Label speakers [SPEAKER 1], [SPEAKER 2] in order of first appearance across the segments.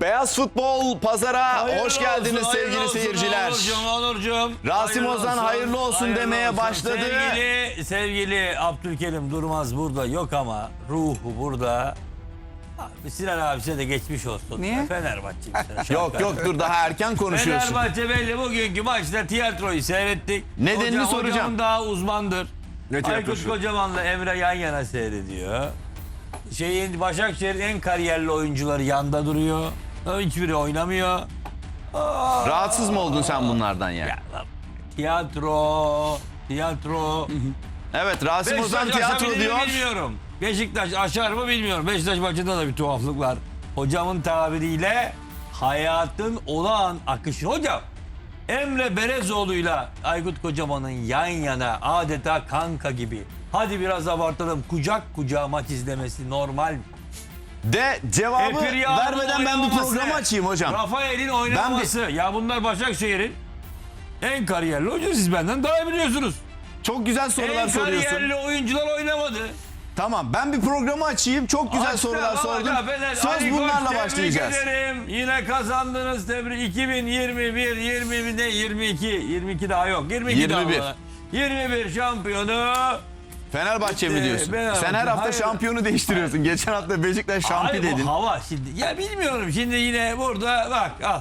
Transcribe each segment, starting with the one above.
[SPEAKER 1] Beyaz Futbol Pazar'a hoş geldiniz sevgili seyirciler.
[SPEAKER 2] Onurcuğum.
[SPEAKER 1] Rasim Ozan hayırlı olsun demeye başladı.
[SPEAKER 2] Sevgili Abdülkerim Durmaz burada yok ama ruhu burada. Abi, Sinan abisine de geçmiş olsun.
[SPEAKER 3] Niye?
[SPEAKER 2] Fenerbahçe.
[SPEAKER 1] Yok dur daha erken konuşuyorsun.
[SPEAKER 2] Fenerbahçe belli bugünkü maçta tiyatroyu seyrettik.
[SPEAKER 1] Nedenini soracağım.
[SPEAKER 2] Hocam daha uzmandır.
[SPEAKER 4] Ne
[SPEAKER 2] Aykut
[SPEAKER 4] tiyatrosu?
[SPEAKER 2] Kocaman'la Emre yan yana seyrediyor. Başakşehir'in en kariyerli oyuncuları yanda duruyor. Hiçbiri oynamıyor.
[SPEAKER 1] Rahatsız mı oldun sen bunlardan ya?
[SPEAKER 2] Tiyatro.
[SPEAKER 1] Evet Rasim Ozan
[SPEAKER 2] Beşiktaş
[SPEAKER 1] tiyatro
[SPEAKER 2] aşabilir mi
[SPEAKER 1] diyor.
[SPEAKER 2] bilmiyorum. Beşiktaş aşar mı bilmiyorum. Beşiktaş maçında da bir tuhaflık var. Hocamın tabiriyle hayatın olağan akışı. Hocam Emre Belezoğlu'yla Aykut Kocaman'ın yan yana adeta kanka gibi. Hadi biraz abartalım. Kucak kucağa maç izlemesi normal mi?
[SPEAKER 1] De cevabı
[SPEAKER 2] Epirya'nın
[SPEAKER 1] vermeden ben bir
[SPEAKER 2] oynaması,
[SPEAKER 1] programı açayım hocam.
[SPEAKER 2] Rafael'in oynaması. Ya bunlar Başakşehir'in en kariyerli oyuncusu. Siz benden daha iyi biliyorsunuz.
[SPEAKER 1] Çok güzel sorular
[SPEAKER 2] En
[SPEAKER 1] soruyorsun.
[SPEAKER 2] kariyerli oyuncular oynamadı.
[SPEAKER 1] Tamam ben bir programı açayım. Çok güzel sorular sordum. Söz bunlarla başlayacağız.
[SPEAKER 2] Tebrik ederim. Yine kazandınız. Tebrik. 2021, 22 daha yok. 22
[SPEAKER 1] 21.
[SPEAKER 2] daha var. 21 şampiyonu.
[SPEAKER 1] Fenerbahçe mi diyorsun?
[SPEAKER 2] Fenerbahçe.
[SPEAKER 1] Sen her hafta
[SPEAKER 2] Hayır.
[SPEAKER 1] şampiyonu değiştiriyorsun. Geçen hafta Beşiktaş şampiyon
[SPEAKER 2] Ay, bu
[SPEAKER 1] dedin.
[SPEAKER 2] hava şimdi. Ya bilmiyorum. Şimdi yine burada bak al.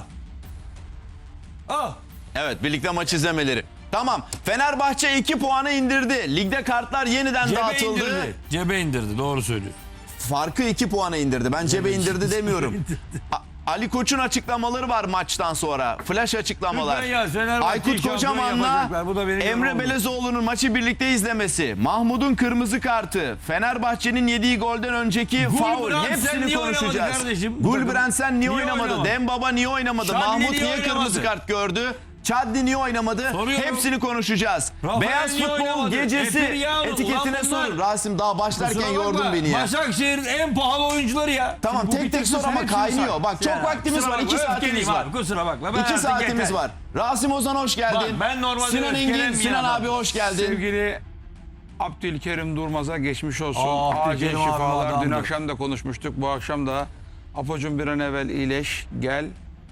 [SPEAKER 2] Al.
[SPEAKER 1] Evet birlikte maç izlemeleri. Tamam Fenerbahçe 2 puanı indirdi. Ligde kartlar yeniden
[SPEAKER 2] Cebe
[SPEAKER 1] dağıtıldı.
[SPEAKER 2] indirdi. Cebe indirdi. Doğru söylüyor.
[SPEAKER 1] Farkı 2 puana indirdi. Ben cebe indirdi demiyorum. Ali Koç'un açıklamaları var maçtan sonra. Flash açıklamalar.
[SPEAKER 2] Lütfen ya, Fenerbahçe'yi
[SPEAKER 1] Aykut
[SPEAKER 2] şampiyon
[SPEAKER 1] Kocaman'la
[SPEAKER 2] yapacaklar. Bu da benim
[SPEAKER 1] Emre
[SPEAKER 2] yorumum.
[SPEAKER 1] Belezoğlu'nun maçı birlikte izlemesi. Mahmut'un kırmızı kartı. Fenerbahçe'nin yediği golden önceki faul.
[SPEAKER 2] Brandsen
[SPEAKER 1] Hepsini
[SPEAKER 2] niye oynamadı
[SPEAKER 1] konuşacağız.
[SPEAKER 2] kardeşim?
[SPEAKER 1] Gulbrandsen niye
[SPEAKER 2] Niye
[SPEAKER 1] oynamadı?
[SPEAKER 2] oynamadı?
[SPEAKER 1] Dembaba niye oynamadı?
[SPEAKER 2] Şadli
[SPEAKER 1] Mahmut
[SPEAKER 2] niye
[SPEAKER 1] niye kırmızı
[SPEAKER 2] oynamadı?
[SPEAKER 1] kart gördü? Chadli niye oynamadı?
[SPEAKER 2] Soruyorum.
[SPEAKER 1] Hepsini konuşacağız.
[SPEAKER 2] Rafael
[SPEAKER 1] Beyaz
[SPEAKER 2] niye
[SPEAKER 1] Futbol
[SPEAKER 2] oynamadı?
[SPEAKER 1] Gecesi
[SPEAKER 2] Epiryano,
[SPEAKER 1] etiketine
[SPEAKER 2] ulan bunlar-
[SPEAKER 1] sor. Rasim daha başlarken
[SPEAKER 2] Kusura bakma,
[SPEAKER 1] yordun beni ya.
[SPEAKER 2] Başakşehir'in en pahalı oyuncuları ya.
[SPEAKER 1] Tamam
[SPEAKER 2] Şimdi bu
[SPEAKER 1] tek tek
[SPEAKER 2] bitirsin,
[SPEAKER 1] sor ama
[SPEAKER 2] hepsini
[SPEAKER 1] kaynıyor.
[SPEAKER 2] say.
[SPEAKER 1] Bak çok
[SPEAKER 2] Yani,
[SPEAKER 1] vaktimiz
[SPEAKER 2] kusura
[SPEAKER 1] var.
[SPEAKER 2] bakma,
[SPEAKER 1] 2 saatimiz
[SPEAKER 2] öfkeliyim
[SPEAKER 1] var.
[SPEAKER 2] abi, kusura bakma. Ben
[SPEAKER 1] 2
[SPEAKER 2] artık
[SPEAKER 1] saatimiz
[SPEAKER 2] yeter.
[SPEAKER 1] var. Rasim Ozan hoş geldin.
[SPEAKER 2] Bak, ben normalde
[SPEAKER 1] Sinan Engin,
[SPEAKER 2] öfkelenmeyen
[SPEAKER 1] Sinan
[SPEAKER 2] adam.
[SPEAKER 1] abi hoş geldin.
[SPEAKER 3] Sevgili Abdülkerim Durmaz'a geçmiş olsun.
[SPEAKER 2] Aa,
[SPEAKER 3] Acil
[SPEAKER 2] Abdülkerim abi
[SPEAKER 3] şifalar. Dün
[SPEAKER 2] adamdır.
[SPEAKER 3] akşam da konuşmuştuk. Bu akşam da Apo'cum bir an evvel iyileş. Gel.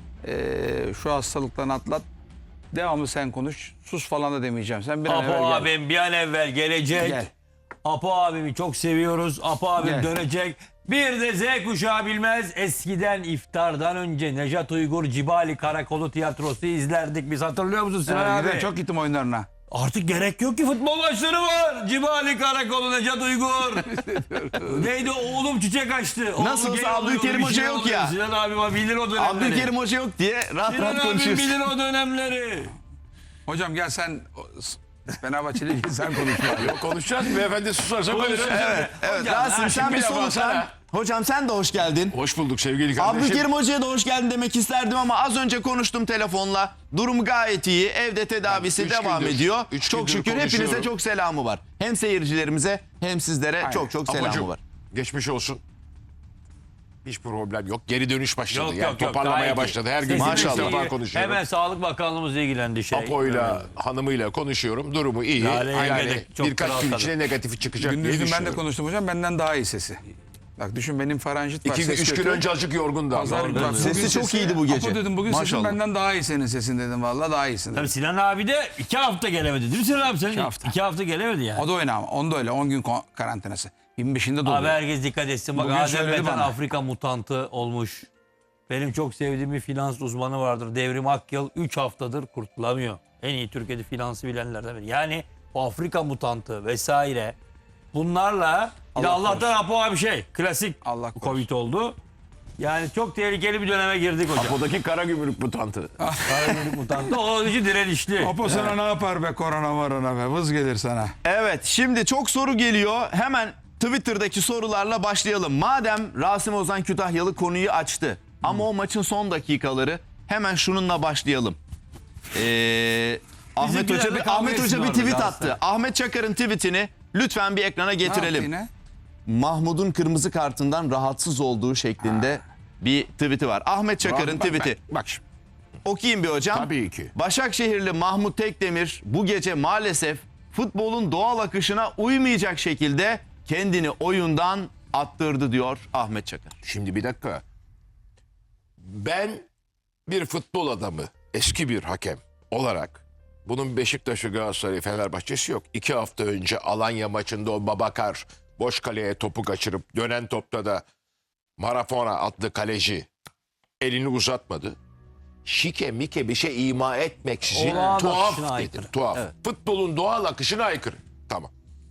[SPEAKER 3] Şu hastalıktan atlat. Devamlı sen konuş. Sus falan da demeyeceğim. Sen bir an evvel
[SPEAKER 2] Apo
[SPEAKER 3] gel.
[SPEAKER 2] abim bir an evvel gelecek.
[SPEAKER 3] Gel.
[SPEAKER 2] Apo abimi çok seviyoruz. Apo abim
[SPEAKER 3] Gel.
[SPEAKER 2] dönecek. Bir de Z kuşağı bilmez. Eskiden iftardan önce Nejat Uygur Cibali Karakolu tiyatrosu izlerdik. Biz hatırlıyor musun Sinan abi?
[SPEAKER 3] Güzel, çok gittim oyunlarına.
[SPEAKER 2] Artık gerek yok ki, futbol maçları var. Cibali Karakolu Nejat Uygur. Neydi oğlum çiçek açtı. Oğlum
[SPEAKER 1] Nasıl olsa
[SPEAKER 2] gel
[SPEAKER 1] Abdülkerim
[SPEAKER 2] oluyor, bir
[SPEAKER 1] Hoca
[SPEAKER 2] şey
[SPEAKER 1] yok
[SPEAKER 2] oluyor.
[SPEAKER 1] ya.
[SPEAKER 2] Sinan abi bilir o dönemleri.
[SPEAKER 1] Abdülkerim Hoca yok diye rahat
[SPEAKER 2] Sinan
[SPEAKER 1] rahat
[SPEAKER 2] abi
[SPEAKER 1] konuşuyoruz.
[SPEAKER 2] bilir o dönemleri.
[SPEAKER 3] Hocam gel sen Fenerbahçeli değil, sen konuşma.
[SPEAKER 4] Yok konuşacağız. Beyefendi susarsa konuşacağız.
[SPEAKER 1] Evet
[SPEAKER 2] Hocam,
[SPEAKER 1] Rasim sen
[SPEAKER 4] şimdi
[SPEAKER 1] bir
[SPEAKER 4] bir laf
[SPEAKER 1] soluklan.
[SPEAKER 4] alsana.
[SPEAKER 1] Hocam sen de hoş geldin.
[SPEAKER 4] Hoş bulduk sevgili kardeşim.
[SPEAKER 1] Abdülkerim Hoca'ya da hoş geldin demek isterdim ama az önce konuştum telefonla. Durum gayet iyi. Evde tedavisi
[SPEAKER 4] üç
[SPEAKER 1] devam
[SPEAKER 4] gündür-
[SPEAKER 1] ediyor.
[SPEAKER 4] üç
[SPEAKER 1] Çok
[SPEAKER 4] gündür
[SPEAKER 1] şükür hepinize
[SPEAKER 4] konuşuyorum.
[SPEAKER 1] çok selamı var. Hem seyircilerimize hem sizlere çok selamı
[SPEAKER 4] Apocuğum,
[SPEAKER 1] var.
[SPEAKER 4] geçmiş olsun. Hiç problem yok. Geri dönüş başladı.
[SPEAKER 2] Yok,
[SPEAKER 4] yani
[SPEAKER 2] yok, yok,
[SPEAKER 4] toparlamaya
[SPEAKER 2] gayet iyi.
[SPEAKER 4] başladı. Her gün
[SPEAKER 2] Sesimiz
[SPEAKER 1] Maşallah.
[SPEAKER 4] ilk defa
[SPEAKER 2] iyi.
[SPEAKER 4] konuşuyorum.
[SPEAKER 2] Hemen Sağlık Bakanlığımız ilgilendi şey.
[SPEAKER 4] Apo'yla, hanımıyla konuşuyorum. Durumu iyi.
[SPEAKER 2] Lale
[SPEAKER 4] Yani
[SPEAKER 2] Yenge'de çok
[SPEAKER 4] birkaç gün
[SPEAKER 2] rahatladı.
[SPEAKER 4] içinde negatifi çıkacak diye
[SPEAKER 3] Gündüz dün ben de
[SPEAKER 4] düşünüyorum.
[SPEAKER 3] konuştum hocam. Benden daha iyi sesi. Bak düşün, benim faranjit var.
[SPEAKER 4] 2-3
[SPEAKER 3] ses
[SPEAKER 4] gün
[SPEAKER 3] kötü.
[SPEAKER 4] önce azıcık yorgundu. ama.
[SPEAKER 3] Pazar günü bak,
[SPEAKER 1] Sesi
[SPEAKER 3] bugün
[SPEAKER 1] çok iyiydi bu gece.
[SPEAKER 3] Apo dedim bugün sesin
[SPEAKER 1] Maşallah.
[SPEAKER 3] benden daha iyi senin sesin dedim. Vallahi daha iyisin dedim.
[SPEAKER 2] Tabii Sinan abi de 2 hafta gelemedi değil mi Sinan abi? Senin
[SPEAKER 3] 2 hafta.
[SPEAKER 2] 2 hafta gelemedi yani.
[SPEAKER 3] O da öyle ama. Onda öyle 10 gün karantinası. 25'inde
[SPEAKER 2] Abi
[SPEAKER 3] doluyor.
[SPEAKER 2] herkes dikkat etsin. Bak
[SPEAKER 3] Bugün
[SPEAKER 2] Adem
[SPEAKER 3] söyledi
[SPEAKER 2] Metan
[SPEAKER 3] bana.
[SPEAKER 2] Afrika mutantı olmuş. Benim çok sevdiğim bir finans uzmanı vardır. Devrim Akyıl 3 haftadır kurtulamıyor. En iyi Türkiye'de finansı bilenlerden biri. Yani o Afrika mutantı vesaire bunlarla bir de
[SPEAKER 3] Allah
[SPEAKER 2] Allah'tan Apo abi klasik
[SPEAKER 3] Allah korusun.
[SPEAKER 2] Covid oldu. Yani çok tehlikeli bir döneme girdik hocam.
[SPEAKER 4] Apo'daki kara gümrük mutantı.
[SPEAKER 2] Karagümrük mutantı o için direnişli.
[SPEAKER 3] Apo sana ne yapar be korona marona be. Vız gelir sana.
[SPEAKER 1] Evet şimdi çok soru geliyor. Hemen Twitter'daki sorularla başlayalım. Madem Rasim Ozan Kütahyalı konuyu açtı. Ama o maçın son dakikaları hemen şununla başlayalım. Ahmet
[SPEAKER 2] Bizimkiler
[SPEAKER 1] Hoca
[SPEAKER 2] bir kavga
[SPEAKER 1] Ahmet
[SPEAKER 2] etsin
[SPEAKER 1] Hoca bir
[SPEAKER 2] orada
[SPEAKER 1] tweet
[SPEAKER 2] Galatasaray.
[SPEAKER 1] attı. Ahmet Çakar'ın tweetini lütfen bir ekrana
[SPEAKER 3] Ne yaptı
[SPEAKER 1] getirelim.
[SPEAKER 3] yine?
[SPEAKER 1] Mahmut'un kırmızı kartından rahatsız olduğu şeklinde bir tweet'i var. Ahmet Çakar'ın tweet'i.
[SPEAKER 4] Bak şimdi.
[SPEAKER 1] Okuyayım bir hocam.
[SPEAKER 4] Tabii ki.
[SPEAKER 1] Başakşehirli Mahmut Tekdemir bu gece maalesef futbolun doğal akışına uymayacak şekilde kendini oyundan attırdı diyor Ahmet Çakar.
[SPEAKER 4] Şimdi bir dakika. Ben bir futbol adamı, eski bir hakem olarak bunun Beşiktaş'ı, Galatasaray, Fenerbahçe'si yok. 2 hafta önce Alanya maçında o Babakar boş kaleye topu kaçırıp dönen topta da Marafona adlı kaleci elini uzatmadı. Şike mike bir şey ima etmeksizin
[SPEAKER 2] Olağan akışına
[SPEAKER 4] tuhaf dedi.
[SPEAKER 2] aykırı.
[SPEAKER 4] Tuhaf.
[SPEAKER 2] Evet.
[SPEAKER 4] Futbolun doğal akışına aykırı. Tamam.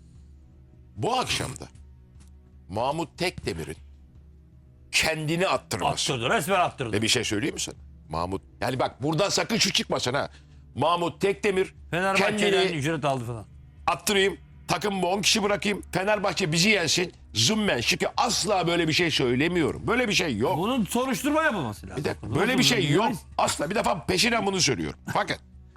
[SPEAKER 4] Bu akşam da Mahmut Tekdemir'in kendini attırması.
[SPEAKER 2] Attırdı. Resmen attırdı.
[SPEAKER 4] Ve bir şey söyleyeyim mi sana? Mahmut, yani bak buradan sakın şu çıkmasın ha. Mahmut Tekdemir
[SPEAKER 2] Fenerbahçe'den
[SPEAKER 4] kendini
[SPEAKER 2] ücret aldı falan.
[SPEAKER 4] attırayım, takımımı 10 kişi bırakayım, Fenerbahçe bizi yensin. Zımmen şike, asla böyle bir şey söylemiyorum. Böyle bir şey yok.
[SPEAKER 2] Bunun soruşturma yapılması lazım.
[SPEAKER 4] Bir dakika, böyle bir şey yok. Asla, bir defa peşinen bunu söylüyorum. Fakat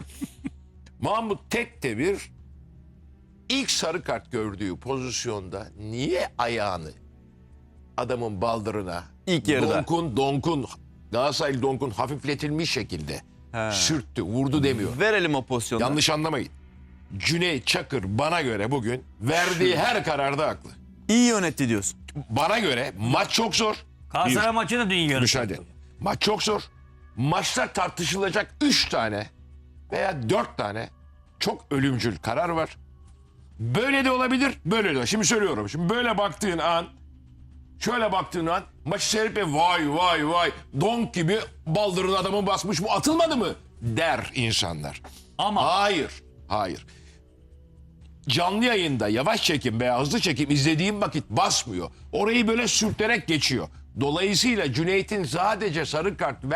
[SPEAKER 4] Mahmut Tekdemir ilk sarı kart gördüğü pozisyonda niye ayağını adamın baldırına
[SPEAKER 1] İlk yarıda.
[SPEAKER 4] Donkun Galatasaraylı Donkun hafifletilmiş şekilde sürttü, vurdu demiyor.
[SPEAKER 1] Verelim o pozisyonu.
[SPEAKER 4] Yanlış anlamayın. Cüneyt Çakır bana göre bugün verdiği her kararda haklı.
[SPEAKER 1] İyi yönetti diyorsun.
[SPEAKER 4] Bana göre maç çok zor.
[SPEAKER 2] Galatasaray maçını dün yönettim.
[SPEAKER 4] Müsaade. Maç çok zor. Maçta tartışılacak 3 tane veya 4 tane çok ölümcül karar var. Böyle de olabilir, böyle de olabilir. Şimdi söylüyorum. Şimdi böyle baktığın an, şöyle baktığın an maçı seyredip vay donk gibi baldırın adamı basmış, bu atılmadı mı der insanlar.
[SPEAKER 2] Ama
[SPEAKER 4] Hayır. Canlı yayında yavaş çekim veya hızlı çekim izlediğim vakit basmıyor. Orayı böyle sürterek geçiyor. Dolayısıyla Cüneyt'in sadece sarı kart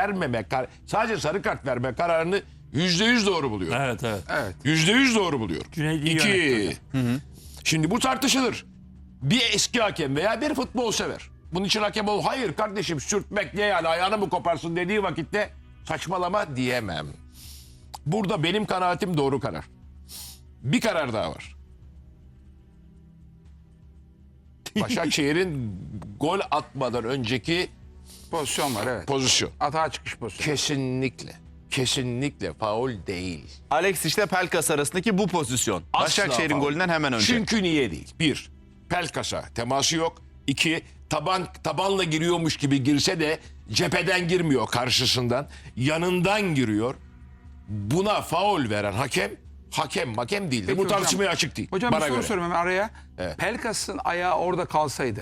[SPEAKER 4] verme kararını %100 doğru buluyor.
[SPEAKER 2] evet.
[SPEAKER 4] %100 doğru buluyor.
[SPEAKER 2] Cüneyt iyi
[SPEAKER 4] 2.
[SPEAKER 2] yönetti
[SPEAKER 4] Şimdi bu tartışılır. Bir eski hakem veya bir futbol sever. Bunun için hakem ol. Hayır kardeşim, sürtmek ne yani, ayağını mı koparsın dediği vakitte saçmalama diyemem. Burada benim kanaatim doğru karar. Bir karar daha var. Başakşehir'in gol atmadan önceki
[SPEAKER 3] Pozisyon var, evet.
[SPEAKER 4] pozisyon.
[SPEAKER 3] Atağa çıkış pozisyonu.
[SPEAKER 4] Kesinlikle faul değil.
[SPEAKER 1] Alex işte Pelkas arasındaki bu pozisyon.
[SPEAKER 4] Asla
[SPEAKER 1] Başakşehir'in
[SPEAKER 4] faul.
[SPEAKER 1] golünden hemen önce.
[SPEAKER 4] Çünkü niye değil? 1. Pelkas'a teması yok. 2. Tabanla giriyormuş gibi girse de cepheden girmiyor, karşısından. Yanından giriyor. Buna faul veren hakem değildir.
[SPEAKER 3] Peki
[SPEAKER 4] Bu
[SPEAKER 3] hocam,
[SPEAKER 4] tartışmaya açık değil.
[SPEAKER 3] Hocam
[SPEAKER 4] bana
[SPEAKER 3] bir soru
[SPEAKER 4] göre.
[SPEAKER 3] sorayım hemen araya.
[SPEAKER 4] Evet.
[SPEAKER 3] Pelkas'ın ayağı orada kalsaydı.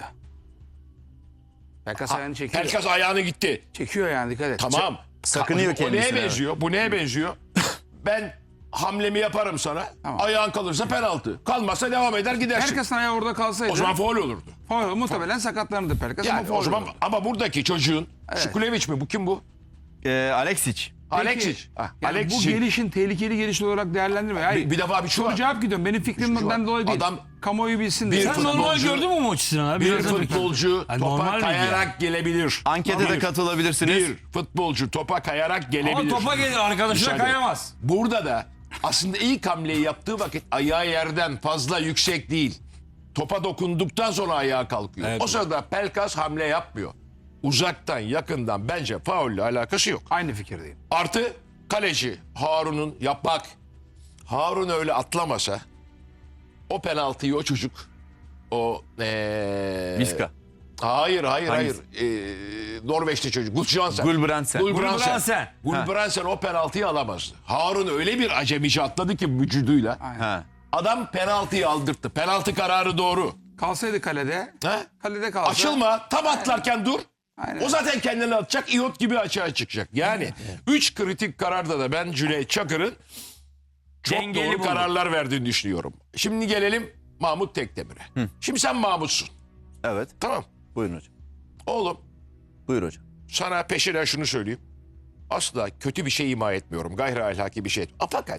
[SPEAKER 3] Pelkas ayağını çekiyor.
[SPEAKER 4] Pelkas ayağını gitti.
[SPEAKER 3] Çekiyor yani, dikkat et.
[SPEAKER 4] Tamam.
[SPEAKER 1] Sakınıyor
[SPEAKER 4] O
[SPEAKER 1] kendisine,
[SPEAKER 4] neye
[SPEAKER 1] evet.
[SPEAKER 4] benziyor? Bu neye benziyor? Ben hamlemi yaparım sana.
[SPEAKER 3] Tamam.
[SPEAKER 4] Ayağın kalırsa penaltı. Kalmazsa devam eder gidersin.
[SPEAKER 3] Pelkas'ın ayağı orada kalsaydı.
[SPEAKER 4] O zaman faul olurdu.
[SPEAKER 3] faul, muhtemelen sakatlanırdı Pelkas ama
[SPEAKER 4] Yani
[SPEAKER 3] faul
[SPEAKER 4] o zaman
[SPEAKER 3] olurdu.
[SPEAKER 4] ama buradaki çocuğun Şukuleviç mi? Bu kim bu?
[SPEAKER 1] Alexic.
[SPEAKER 4] Alexic.
[SPEAKER 3] Yani bu
[SPEAKER 4] Alexic.
[SPEAKER 3] gelişin tehlikeli geliş olarak değerlendirme. Yani
[SPEAKER 4] Bir defa bir şu
[SPEAKER 3] soru
[SPEAKER 4] var.
[SPEAKER 3] cevap gidiyorum. Benim fikrimden dolayı değil.
[SPEAKER 4] Adam
[SPEAKER 3] Kamuoyu bilsin diye.
[SPEAKER 4] bir
[SPEAKER 2] Sen
[SPEAKER 4] futbolcu-
[SPEAKER 2] normal gördün mü maçı Sinan abi?
[SPEAKER 4] Bir
[SPEAKER 2] Biraz önce-
[SPEAKER 4] futbolcu
[SPEAKER 2] Ay, normal
[SPEAKER 4] topa
[SPEAKER 2] miydi
[SPEAKER 4] kayarak gelebilir.
[SPEAKER 1] Ankete de
[SPEAKER 4] Bir.
[SPEAKER 1] katılabilirsiniz.
[SPEAKER 4] Bir futbolcu topa kayarak gelebilir.
[SPEAKER 2] Ama topa gelir, arkadaşına
[SPEAKER 4] Müsaade.
[SPEAKER 2] kayamaz.
[SPEAKER 4] Burada da aslında ilk hamleyi yaptığı vakit ayağı yerden fazla yüksek değil. Topa dokunduktan sonra ayağa kalkıyor.
[SPEAKER 2] Evet.
[SPEAKER 4] O sırada Pelkas hamle yapmıyor. Uzaktan yakından bence faulle alakası yok.
[SPEAKER 3] Aynı fikirdeyim.
[SPEAKER 4] Artı kaleci Harun'un yapmak. Harun öyle atlamasa o penaltıyı o çocuk o
[SPEAKER 1] Viska.
[SPEAKER 4] Hayır.
[SPEAKER 1] Hangisi?
[SPEAKER 4] Norveçli çocuk. Gudbrandsen.
[SPEAKER 1] Gulbrandsen.
[SPEAKER 2] Gulbrandsen.
[SPEAKER 4] Gulbrandsen o penaltıyı alamazdı. Harun öyle bir acemice atladı ki vücuduyla.
[SPEAKER 1] Ha.
[SPEAKER 4] Adam penaltıyı aldırttı. Penaltı kararı doğru.
[SPEAKER 3] Kalsaydı kalede.
[SPEAKER 4] Ha?
[SPEAKER 3] Kalede kalsa.
[SPEAKER 4] Açılma. Tam atlarken dur.
[SPEAKER 3] Aynen.
[SPEAKER 4] O zaten kendini atacak. İyot gibi açığa çıkacak. Yani 3 kritik kararda da ben Cüneyt Çakır'ın çok
[SPEAKER 2] Dengeli
[SPEAKER 4] doğru
[SPEAKER 2] buldu.
[SPEAKER 4] kararlar verdiğini düşünüyorum. Şimdi gelelim Mahmut Tekdemir'e. Şimdi sen Mahmut'sun.
[SPEAKER 1] Evet.
[SPEAKER 4] Tamam.
[SPEAKER 1] Buyurun hocam.
[SPEAKER 4] Oğlum
[SPEAKER 1] Buyur hocam.
[SPEAKER 4] sana peşinen şunu söyleyeyim. Asla kötü bir şey ima etmiyorum. Gayri ahlaki bir şey. Fakat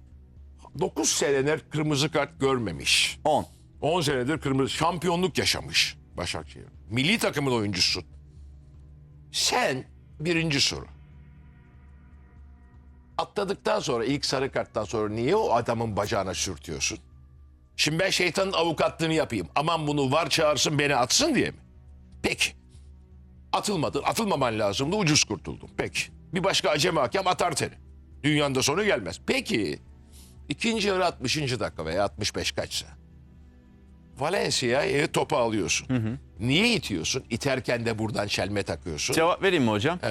[SPEAKER 4] 9 senedir kırmızı kart görmemiş.
[SPEAKER 1] 10.
[SPEAKER 4] 10 senedir kırmızı şampiyonluk yaşamış Başakşehir. Milli takımın oyuncususun. Sen birinci soru. Atladıktan sonra ilk sarı karttan sonra niye o adamın bacağına sürtüyorsun? Şimdi ben şeytanın avukatlığını yapayım. Aman bunu var çağırsın beni atsın diye mi? Peki. Atılmadın. Atılmaman lazımdı. Ucuz kurtuldun. Peki. Bir başka acemi hakem atar seni. Dünyanın da sonu gelmez. Peki. İkinci yarı 60. dakika veya 65 kaçsa. Valencia'ya topu alıyorsun. Niye itiyorsun? İterken de buradan çelme takıyorsun.
[SPEAKER 1] Cevap vereyim mi hocam?
[SPEAKER 4] Evet.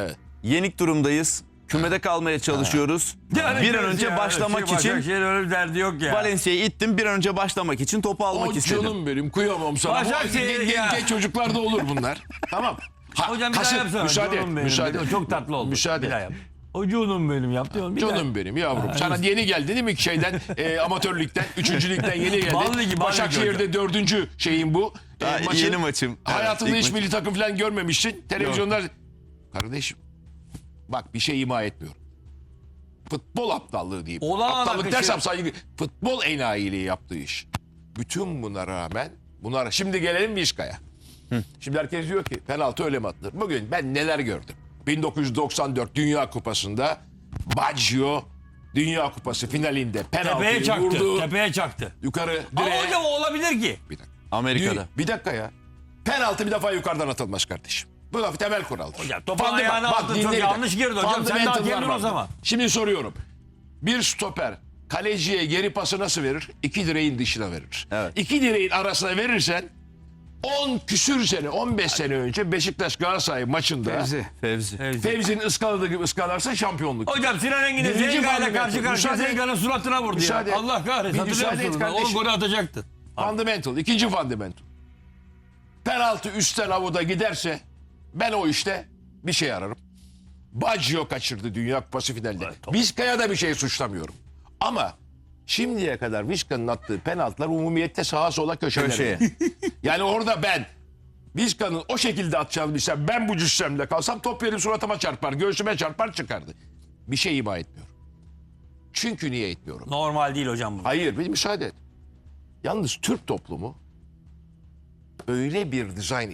[SPEAKER 1] Yenik durumdayız. Kümede kalmaya çalışıyoruz.
[SPEAKER 2] Yani
[SPEAKER 1] Bir an önce başlamak için
[SPEAKER 2] Başakşehir'in öyle bir derdi yok ya.
[SPEAKER 1] Valencia'yı ittim. Bir an önce başlamak için topu almak
[SPEAKER 4] O
[SPEAKER 1] istedim.
[SPEAKER 4] canım benim kıyamam sana.
[SPEAKER 2] Başakşehir
[SPEAKER 4] Bu
[SPEAKER 2] ya.
[SPEAKER 4] genç çocuklarda olur bunlar. Tamam.
[SPEAKER 2] Hocam bir daha yapsana.
[SPEAKER 4] Müsaade et.
[SPEAKER 2] Canım benim.
[SPEAKER 4] Müsaade et.
[SPEAKER 2] Çok tatlı oldu.
[SPEAKER 4] Müsaade
[SPEAKER 2] Bir daha
[SPEAKER 4] et.
[SPEAKER 2] yap. O canım benim yaptı.
[SPEAKER 4] Canım benim yavrum. Sana yeni geldin değil mi şeyden amatör ligden, 3. ligden yeni geldin.
[SPEAKER 2] Bal ligi, bal ligi
[SPEAKER 4] Başakşehir'de 4. şeyin bu.
[SPEAKER 1] Daha yeni maçım.
[SPEAKER 4] Hayatında
[SPEAKER 1] Evet, ilk
[SPEAKER 4] hiç milli takım falan görmemişsin. Televizyonlar. Kardeşim bak bir şey ima etmiyorum. Futbol aptallığı diyeyim.
[SPEAKER 2] Olağan
[SPEAKER 4] Aptallık
[SPEAKER 2] akışı.
[SPEAKER 4] dersem saygı. Futbol enayiliği yaptığı iş. Bütün buna rağmen şimdi gelelim Vişka'ya. Şimdi herkes diyor ki penaltı öyle mi atılır? Bugün ben neler gördüm. 1994 Dünya Kupası'nda Baggio Dünya Kupası finalinde
[SPEAKER 2] Tepeye
[SPEAKER 4] penaltıyı
[SPEAKER 2] çaktı.
[SPEAKER 4] vurdu.
[SPEAKER 2] Tepeye çaktı.
[SPEAKER 4] Yukarı
[SPEAKER 2] Ama
[SPEAKER 4] direğe.
[SPEAKER 2] hocam o olabilir ki.
[SPEAKER 4] Bir dakika.
[SPEAKER 1] Amerika'da.
[SPEAKER 4] Bir dakika ya. Penaltı bir defa yukarıdan atılmaz kardeşim. Bu da temel kuraldır.
[SPEAKER 2] Hocam topun
[SPEAKER 4] Fundament-
[SPEAKER 2] ayağına
[SPEAKER 4] bak,
[SPEAKER 2] attın,
[SPEAKER 4] dinle
[SPEAKER 2] çok
[SPEAKER 4] bir
[SPEAKER 2] yanlış
[SPEAKER 4] dakika.
[SPEAKER 2] girdi hocam. Sen de
[SPEAKER 4] Fundamental
[SPEAKER 2] hakemdin
[SPEAKER 4] var
[SPEAKER 2] o zaman.
[SPEAKER 4] Şimdi soruyorum. Bir stoper kaleciye geri pası nasıl verir? 2 direğin dışına verir.
[SPEAKER 1] Evet.
[SPEAKER 4] 2 direğin arasına verirsen 10 küsür sene, 15 sene önce Beşiktaş Galatasaray maçında
[SPEAKER 1] Fevzi.
[SPEAKER 4] Fevzi'nin ıskaladığı gibi ıskalarsa şampiyonluk.
[SPEAKER 2] Hocam Sinan Engin'in
[SPEAKER 4] Birinci
[SPEAKER 2] Zenga ile
[SPEAKER 4] fundamental.
[SPEAKER 2] karşı karşıya
[SPEAKER 4] Müsaade et.
[SPEAKER 2] Zenga'nın suratına vurdu
[SPEAKER 4] Müsaade
[SPEAKER 2] ya.
[SPEAKER 4] et.
[SPEAKER 2] Allah kahretsin.
[SPEAKER 4] Bir
[SPEAKER 2] Hatırlıyor
[SPEAKER 4] müsaade et
[SPEAKER 2] musun? O
[SPEAKER 4] kardeşim.
[SPEAKER 2] golü atacaktı.
[SPEAKER 4] Fundamental. İkinci fundamental. Penaltı üstten avuda giderse ben o işte bir şey ararım. Baggio kaçırdı Dünya Kupası finalde. Vizca'ya da bir şey suçlamıyorum. Ama şimdiye kadar Vizca'nın attığı penaltılar umumiyette sağa sola köşelere.
[SPEAKER 1] Köşeye.
[SPEAKER 4] Yani orada ben Vizca'nın o şekilde atacağını bilsem ben bu cüssemle kalsam top benim suratıma çarpar, göğsüme çarpar çıkardı. Bir şey ima etmiyorum. Çünkü niye etmiyorum?
[SPEAKER 2] Normal değil hocam bu.
[SPEAKER 4] Hayır bir müsaade et. Yalnız Türk toplumu öyle bir dizayn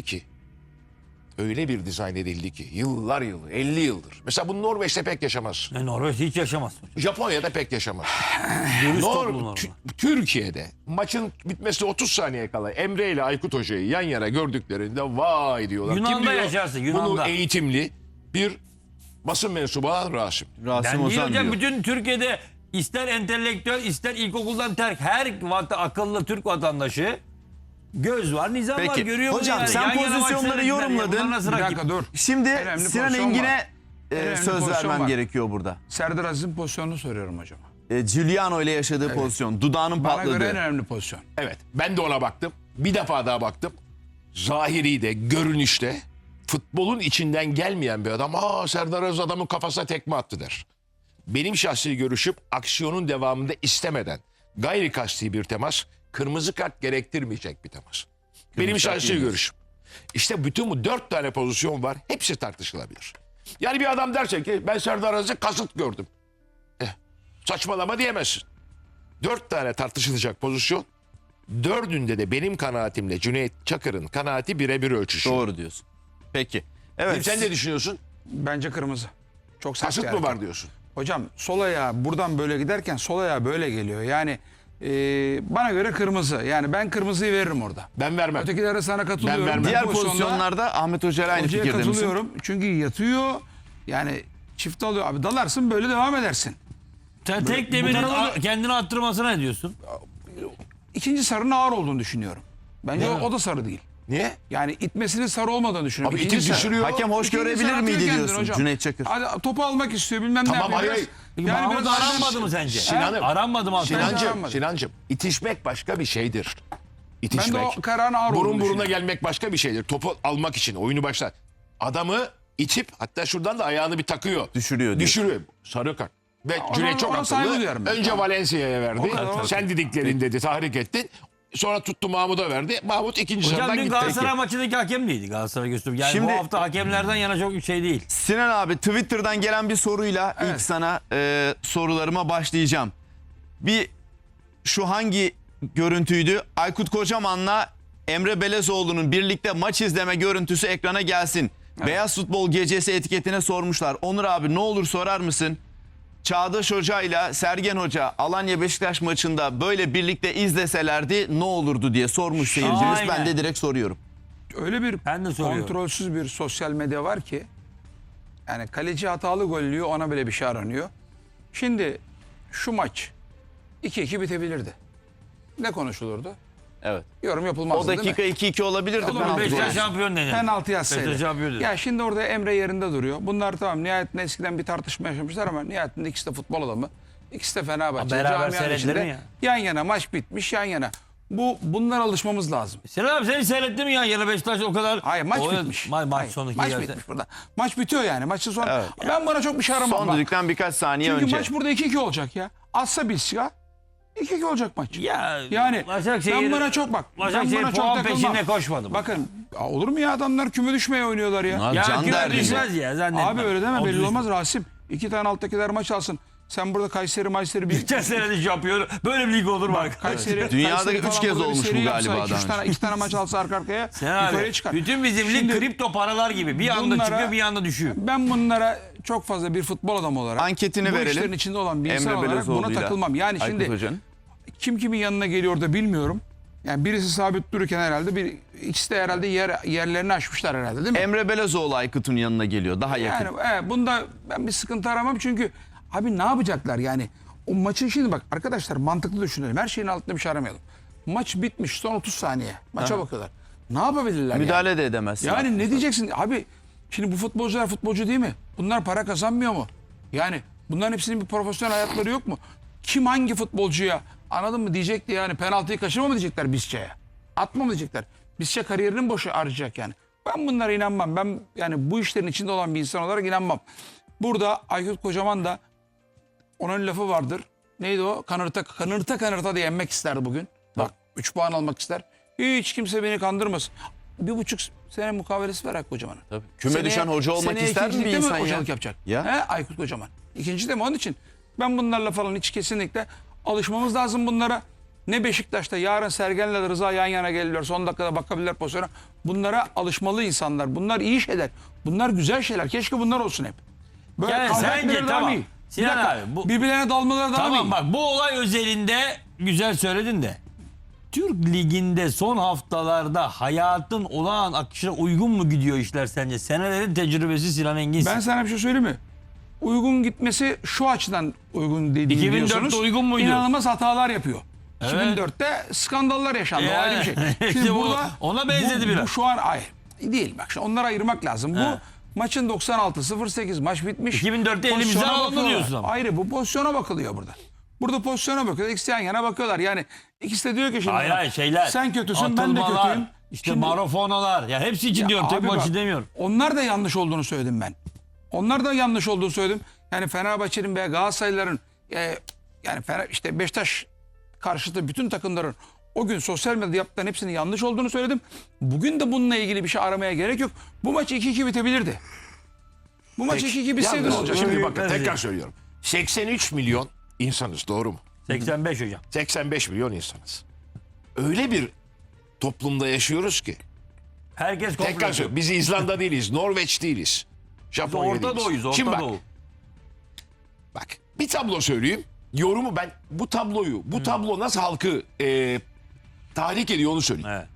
[SPEAKER 4] edildi ki yıllar yılı 50 yıldır. Mesela bunu Norveç'te pek yaşamaz.
[SPEAKER 2] Norveç hiç yaşamaz.
[SPEAKER 4] Japonya'da pek yaşamaz.
[SPEAKER 2] Dürüst toplum normal.
[SPEAKER 4] Türkiye'de maçın bitmesine 30 saniye kala Emre ile Aykut Hoca'yı yan yana gördüklerinde vay diyorlar.
[SPEAKER 2] Yunan'da
[SPEAKER 4] diyor?
[SPEAKER 2] yaşarsın, Yunan'da.
[SPEAKER 4] Bunu eğitimli bir basın mensubu olan Rasim.
[SPEAKER 1] Rasim
[SPEAKER 2] Ben değil
[SPEAKER 1] Ozan
[SPEAKER 2] hocam
[SPEAKER 1] diyor.
[SPEAKER 2] bütün Türkiye'de ister entelektüel ister ilkokuldan terk her akıllı Türk vatandaşı göz var nizam var
[SPEAKER 1] Peki.
[SPEAKER 2] görüyor bunu
[SPEAKER 1] Hocam,
[SPEAKER 2] yani.
[SPEAKER 1] sen
[SPEAKER 2] Yan yana maç
[SPEAKER 1] pozisyonları
[SPEAKER 2] seyrettiler ya.
[SPEAKER 1] yorumladın.
[SPEAKER 2] Bunlar nasıl
[SPEAKER 3] Bir
[SPEAKER 2] rakip?
[SPEAKER 3] dakika dur.
[SPEAKER 1] Şimdi
[SPEAKER 3] Önemli
[SPEAKER 1] Sinan
[SPEAKER 3] pozisyon
[SPEAKER 1] Engin'e
[SPEAKER 3] var. Önemli
[SPEAKER 1] söz
[SPEAKER 3] pozisyon
[SPEAKER 1] vermem
[SPEAKER 3] var.
[SPEAKER 1] gerekiyor burada.
[SPEAKER 3] Serdar Aziz'in pozisyonunu soruyorum hocama.
[SPEAKER 1] Giuliano ile yaşadığı pozisyon. Dudağının
[SPEAKER 3] Bana göre en
[SPEAKER 1] patladığı.
[SPEAKER 3] önemli pozisyon.
[SPEAKER 4] Evet ben de ona baktım. Bir defa daha baktım. Zahiri de görünüşte futbolun içinden gelmeyen bir adam. Serdar Aziz adamın kafasına tekme attı der. Benim şahsi görüşüm aksiyonun devamında istemeden gayri kasti bir temas kırmızı kart gerektirmeyecek bir temas. Benim şahsi görüşüm. İşte bütün bu 4 tane pozisyon var. Hepsi tartışılabilir. Yani bir adam derse ki ben Serdar Aziz'e kasıt gördüm. Saçmalama diyemezsin. 4 tane tartışılacak pozisyon. 4'ünde de benim kanaatimle Cüneyt Çakır'ın kanaati birebir ölçüşüyor.
[SPEAKER 1] Doğru diyorsun. Peki. Evet.
[SPEAKER 4] Sen ne düşünüyorsun?
[SPEAKER 3] Bence kırmızı. Çok sert
[SPEAKER 4] Kasıt
[SPEAKER 3] bir
[SPEAKER 4] mı
[SPEAKER 3] hareket.
[SPEAKER 4] var diyorsun?
[SPEAKER 3] Hocam sol ayağı buradan böyle giderken sol ayağı böyle geliyor. Yani bana göre kırmızı. Yani ben kırmızıyı veririm orada.
[SPEAKER 4] Ben vermem.
[SPEAKER 3] Ötekilere sana katılıyorum.
[SPEAKER 4] Ben vermem.
[SPEAKER 1] Diğer
[SPEAKER 3] Bu pozisyonda
[SPEAKER 1] pozisyonlarda Ahmet Hoca ile aynı
[SPEAKER 3] hocaya
[SPEAKER 1] fikirde misin?
[SPEAKER 3] katılıyorum. Çünkü yatıyor. Yani çift alıyor. Abi dalarsın böyle devam edersin.
[SPEAKER 2] Sen tek demirin
[SPEAKER 3] tarafa-
[SPEAKER 2] kendini attırmasına ne diyorsun?
[SPEAKER 3] İkinci sarının ağır olduğunu düşünüyorum. Bence o da sarı değil.
[SPEAKER 4] Niye?
[SPEAKER 3] Yani itmesinin sarı olmadığını düşünüyorum.
[SPEAKER 4] Abi
[SPEAKER 3] İkinci
[SPEAKER 4] itip
[SPEAKER 3] sarı.
[SPEAKER 4] düşürüyor.
[SPEAKER 1] Hakem hoş
[SPEAKER 3] İkinci
[SPEAKER 1] görebilir
[SPEAKER 3] sarı
[SPEAKER 1] miydi
[SPEAKER 3] atıyor kendini
[SPEAKER 1] diyorsun
[SPEAKER 3] hocam.
[SPEAKER 1] Cüneyt Çakır?
[SPEAKER 3] Hadi topu almak istiyor bilmem
[SPEAKER 4] Tamam,
[SPEAKER 3] ne yapıyor.
[SPEAKER 4] hayır,
[SPEAKER 3] Biraz-
[SPEAKER 4] hayır.
[SPEAKER 2] Mahmut
[SPEAKER 3] biraz-
[SPEAKER 2] aranmadı mı sence?
[SPEAKER 4] Sinan'ım.
[SPEAKER 2] Aranmadı mı?
[SPEAKER 4] Sinancım, itişmek başka bir şeydir. İtişmek.
[SPEAKER 3] Ben de o kararın ağır
[SPEAKER 4] Burun
[SPEAKER 3] olduğunu
[SPEAKER 4] buruna
[SPEAKER 3] düşünüyorum.
[SPEAKER 4] gelmek başka bir şeydir. Topu almak için oyunu başlar. Adamı itip hatta şuradan da ayağını bir takıyor.
[SPEAKER 1] Düşürüyor diyor.
[SPEAKER 4] Düşürüyor. Sarı kart. Ve Cüneyt çok
[SPEAKER 3] ona saygı
[SPEAKER 4] akıllı.
[SPEAKER 3] duyarım ben.
[SPEAKER 4] Önce Valencia'ya verdi.
[SPEAKER 3] kadar.
[SPEAKER 4] Sen dediklerin dedi, tahrik ettin. Sonra tuttu Mahmut'a verdi. Mahmut ikinci
[SPEAKER 2] Hocam
[SPEAKER 4] sıradan
[SPEAKER 2] dün
[SPEAKER 4] gitti.
[SPEAKER 2] Galatasaray maçındaki hakem miydi? Galatasaray gösterdi. Yani
[SPEAKER 1] Şimdi-
[SPEAKER 2] bu hafta hakemlerden yana çok şey değil.
[SPEAKER 1] Sinan abi Twitter'dan gelen bir soruyla ilk sana sorularıma başlayacağım. Bir şu hangi görüntüydü? Aykut Kocaman'la Emre Belezoğlu'nun birlikte maç izleme görüntüsü ekrana gelsin. Beyaz Futbol Gecesi etiketine sormuşlar. Onur abi ne olur sorar mısın? Çağdaş Hoca ile Sergen Hoca Alanya Beşiktaş maçında böyle birlikte izleselerdi ne olurdu diye sormuş seyircimiz.
[SPEAKER 2] Aynen.
[SPEAKER 1] Ben de direkt soruyorum.
[SPEAKER 3] Öyle bir
[SPEAKER 2] Ben de soruyorum.
[SPEAKER 3] kontrolsüz bir sosyal medya var ki yani kaleci hatalı gollüyor ona bile bir şey aranıyor. Şimdi şu maç 2-2 bitebilirdi. Ne konuşulurdu?
[SPEAKER 1] Evet.
[SPEAKER 3] Yorum yapılmaz.
[SPEAKER 1] O dakika 2-2 olabilirdi.
[SPEAKER 3] Olur mu?
[SPEAKER 1] penaltı
[SPEAKER 2] Beşiktaş
[SPEAKER 1] golü.
[SPEAKER 2] şampiyon dedi.
[SPEAKER 3] Penaltı yazsaydı.
[SPEAKER 2] Beşiktaş şampiyon dedi.
[SPEAKER 3] Ya şimdi orada Emre yerinde duruyor. Bunlar tamam nihayetinde eskiden bir tartışma yaşamışlar ama nihayetinde ikisi de futbol adamı. İkisi de Fenerbahçe.
[SPEAKER 2] Beraber
[SPEAKER 3] Camianın
[SPEAKER 2] seyrettiler
[SPEAKER 3] içinde
[SPEAKER 2] mi ya?
[SPEAKER 3] yan yana maç bitmiş yan yana. Bunlara alışmamız lazım.
[SPEAKER 2] Sinan abi seni seyrettin mi ya? Yana Beşiktaş o kadar...
[SPEAKER 3] Hayır maç
[SPEAKER 2] O-
[SPEAKER 3] bitmiş.
[SPEAKER 2] Maç
[SPEAKER 3] Hayır,
[SPEAKER 2] sonraki
[SPEAKER 3] maç
[SPEAKER 2] yerde.
[SPEAKER 3] bitmiş burada. Maç bitiyor yani. Maçın sonu.
[SPEAKER 1] Evet.
[SPEAKER 3] Ben bana çok bir şey aramam.
[SPEAKER 1] Son
[SPEAKER 3] Bak.
[SPEAKER 1] düdükten birkaç saniye
[SPEAKER 3] Çünkü
[SPEAKER 1] önce.
[SPEAKER 3] maç burada 2-2 olacak ya. Atsa Bilsika 2-2 olacak maç.
[SPEAKER 2] Ya,
[SPEAKER 3] Yani
[SPEAKER 2] Başakşehir,
[SPEAKER 3] ben bana çok bak. Ben
[SPEAKER 2] Başakşehir
[SPEAKER 3] bana çok
[SPEAKER 2] puan
[SPEAKER 3] takılmam.
[SPEAKER 2] peşinde koşmadı.
[SPEAKER 3] Bakın olur mu ya adamlar küme düşmeye oynuyorlar ya.
[SPEAKER 1] Abi
[SPEAKER 2] Ya
[SPEAKER 1] can
[SPEAKER 2] küme
[SPEAKER 1] derdinde.
[SPEAKER 2] düşmez ya zannetmem.
[SPEAKER 3] Abi öyle deme belli
[SPEAKER 2] 33
[SPEAKER 3] olmaz Rasim. 2 tane alttakiler maç alsın. Sen burada Kayseri bir...
[SPEAKER 2] Geçen sene de şampiyon. Böyle bir lig olur bak.
[SPEAKER 3] Kayseri,
[SPEAKER 1] Dünyada
[SPEAKER 3] Kayseri
[SPEAKER 1] 3
[SPEAKER 3] falan
[SPEAKER 1] kez
[SPEAKER 3] burada bir
[SPEAKER 1] olmuş
[SPEAKER 3] seri
[SPEAKER 1] bu galiba
[SPEAKER 3] yapsa,
[SPEAKER 1] daha önce.
[SPEAKER 3] 2 tane maç alsa arka arkaya
[SPEAKER 2] Sen
[SPEAKER 3] yukarıya
[SPEAKER 2] abi,
[SPEAKER 3] çıkar.
[SPEAKER 2] bütün bizim lig
[SPEAKER 3] Şimdi
[SPEAKER 2] kripto paralar gibi. Bir anda
[SPEAKER 3] bunlara-
[SPEAKER 2] çıkıyor bir anda düşüyor.
[SPEAKER 3] Ben bunlara çok fazla bir futbol adamı olarak
[SPEAKER 1] Anketini
[SPEAKER 3] bu
[SPEAKER 1] verelim.
[SPEAKER 3] işlerin içinde olan bir insan
[SPEAKER 1] Emre
[SPEAKER 3] olarak buna
[SPEAKER 1] Belezoğlu'yla
[SPEAKER 3] takılmam. Yani
[SPEAKER 1] Aykut
[SPEAKER 3] şimdi
[SPEAKER 1] Hoca'nın.
[SPEAKER 3] kim kimin yanına geliyor da bilmiyorum. Yani birisi sabit dururken herhalde ikisi de herhalde yerlerini aşmışlar herhalde değil mi?
[SPEAKER 1] Emre Belezoğlu Aykut'un yanına geliyor. Daha yakın.
[SPEAKER 3] Yani bunda ben bir sıkıntı aramam çünkü abi ne yapacaklar yani? O maçın şimdi bak arkadaşlar mantıklı düşünelim. Her şeyin altında bir şey aramayalım. Maç bitmiş son 30 saniye. Maça bakıyorlar. Ne yapabilirler
[SPEAKER 1] Müdahale
[SPEAKER 3] yani?
[SPEAKER 1] de edemezsin.
[SPEAKER 3] Yani ne diyeceksin? Abi şimdi bu futbolcular futbolcu değil mi? Bunlar para kazanmıyor mu? Yani bunların hepsinin bir profesyonel hayatları yok mu? Kim hangi futbolcuya anladın mı diyecekti yani penaltıyı kaçırma mı diyecekler Bisçe'ye? Atma mı diyecekler? Bisçe kariyerinin boşu harcayacak yani. Ben bunlara inanmam. Ben yani bu işlerin içinde olan bir insan olarak inanmam. Burada Aykut Kocaman da onun lafı vardır. Neydi o? Kanırta diye yenmek isterdi bugün. Bak 3 puan almak ister. Hiç kimse beni kandırmasın. 1,5 sene mukavelesi var Aykut Kocaman'ın.
[SPEAKER 1] Tabii. Küme düşen hoca olmak
[SPEAKER 3] seneye
[SPEAKER 1] ister mi bir
[SPEAKER 3] ikincilikte
[SPEAKER 1] insan ya?
[SPEAKER 3] hocalık yapacak.
[SPEAKER 1] Ya.
[SPEAKER 3] He, Aykut Kocaman. İkinci de mi? Onun için ben bunlarla falan hiç kesinlikle alışmamız lazım bunlara. Ne Beşiktaş'ta yarın Sergen'le Rıza yan yana gelirler. Son dakikada bakabilirler pozisyona. Bunlara alışmalı insanlar. Bunlar iyi şeyler. Bunlar güzel şeyler. Keşke bunlar olsun hep. Böyle
[SPEAKER 2] Yani
[SPEAKER 3] kavga
[SPEAKER 2] sence
[SPEAKER 3] etmeleri daha
[SPEAKER 2] tamam.
[SPEAKER 3] iyi. Bir
[SPEAKER 2] Sinan
[SPEAKER 3] dakika,
[SPEAKER 2] abi, bu-
[SPEAKER 3] birbirlerine dalmaları daha
[SPEAKER 2] Tamam
[SPEAKER 3] iyi.
[SPEAKER 2] bak bu olay özelinde güzel söyledin de. Türk Ligi'nde son haftalarda hayatın olağan akışına uygun mu gidiyor işler sence? Senelerin tecrübesi Sinan Engin.
[SPEAKER 3] Ben sana bir şey söyleyeyim mi? Uygun gitmesi şu açıdan uygun dediğini
[SPEAKER 2] 2004'te
[SPEAKER 3] biliyorsunuz.
[SPEAKER 2] uygun muydu?
[SPEAKER 3] İnanılmaz hatalar yapıyor.
[SPEAKER 2] Evet.
[SPEAKER 3] 2004'te skandallar yaşandı. O
[SPEAKER 2] Yani.
[SPEAKER 3] ayrı bir şey.
[SPEAKER 2] İşte
[SPEAKER 3] Şimdi
[SPEAKER 2] bu
[SPEAKER 3] burada
[SPEAKER 2] ona benzedi biraz.
[SPEAKER 3] Bu şu an ay değil bak. Şimdi onları ayırmak lazım. Bu
[SPEAKER 2] He.
[SPEAKER 3] maçın 96-08 maç bitmiş.
[SPEAKER 2] 2004'te elimizden
[SPEAKER 3] Pozisyona
[SPEAKER 2] alındı
[SPEAKER 3] bakıyorlar.
[SPEAKER 2] diyorsun ama.
[SPEAKER 3] Ayrı bu pozisyona bakılıyor burada. Burada pozisyona bakıyor. İkisi yan yana bakıyorlar. Yani ikisi de diyor ki şimdi
[SPEAKER 2] Hayır hayır şeyler.
[SPEAKER 3] sen kötüsün ben de
[SPEAKER 2] atılmalar,
[SPEAKER 3] kötüyüm.
[SPEAKER 2] İşte
[SPEAKER 3] Şimdi-
[SPEAKER 2] marofonalar. Ya hepsi için
[SPEAKER 3] Ya
[SPEAKER 2] diyorum. Tek
[SPEAKER 3] abi
[SPEAKER 2] maçı
[SPEAKER 3] bak,
[SPEAKER 2] demiyorum.
[SPEAKER 3] Onlar da yanlış olduğunu söyledim ben. Onlar da yanlış olduğunu söyledim. Yani Fenerbahçe'nin veya Galatasaraylıların yani işte Beşiktaş karşıtı bütün takımların o gün sosyal medyada yaptıkların hepsinin yanlış olduğunu söyledim. Bugün de bununla ilgili bir şey aramaya gerek yok. Bu maç 2-2 bitebilirdi. Bu maç 2-2 bitseydi ne
[SPEAKER 4] Yalnız
[SPEAKER 3] olacak?
[SPEAKER 4] şimdi
[SPEAKER 3] Şimdi
[SPEAKER 4] bakın
[SPEAKER 2] Evet.
[SPEAKER 4] tekrar söylüyorum. 83 milyon insanız doğru mu?
[SPEAKER 2] 85 hocam.
[SPEAKER 4] 85 milyon insanız. Öyle bir toplumda yaşıyoruz ki.
[SPEAKER 2] Herkes
[SPEAKER 4] Tekrar
[SPEAKER 2] komplo.
[SPEAKER 4] söylüyorum. Biz İzlanda değiliz, Norveç değiliz. Japonya
[SPEAKER 2] Orta
[SPEAKER 4] değiliz.
[SPEAKER 2] Doğu'yuz.
[SPEAKER 4] Şimdi
[SPEAKER 2] Orta
[SPEAKER 4] bak,
[SPEAKER 2] Doğu.
[SPEAKER 4] bak bir tablo söyleyeyim. Yorumu ben bu tabloyu, bu tablo nasıl halkı tahrik ediyor onu söyleyeyim.
[SPEAKER 2] Evet.